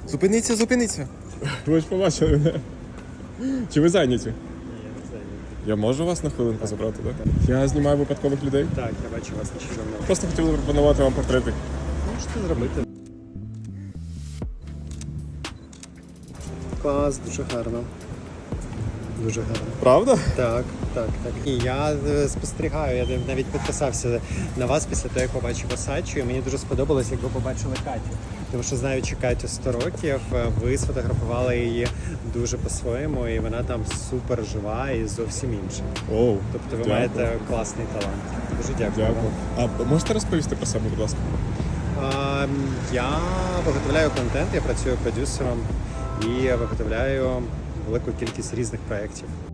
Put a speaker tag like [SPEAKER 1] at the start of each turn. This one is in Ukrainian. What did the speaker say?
[SPEAKER 1] Зупиніться, зупиніться.
[SPEAKER 2] Ви ж побачили мене. Чи ви зайняті?
[SPEAKER 3] Ні, я не знаю.
[SPEAKER 2] Я можу вас на хвилинку забрати, так? Я знімаю випадкових людей.
[SPEAKER 3] Так, я бачу вас нещодавно.
[SPEAKER 2] Просто хотів запропонувати вам портрети.
[SPEAKER 3] Можете зробити. Клас, дуже гарно. Дуже гарно.
[SPEAKER 2] Правда?
[SPEAKER 3] Так. І я спостерігаю, я навіть підписався на вас після того, як побачив Осадчу, і мені дуже сподобалось, як ви побачили Катю. Тому що, знаючи Катю 100 років, ви сфотографували її дуже по-своєму, і вона там супер жива і зовсім інша.
[SPEAKER 2] Оу,
[SPEAKER 3] Тобто ви
[SPEAKER 2] дякую.
[SPEAKER 3] маєте класний талант. Дуже дякую.
[SPEAKER 2] Дякую.
[SPEAKER 3] вам.
[SPEAKER 2] А можете розповісти про себе, будь ласка?
[SPEAKER 3] Я виготовляю контент, я працюю продюсером і виготовляю велику кількість різних проєктів.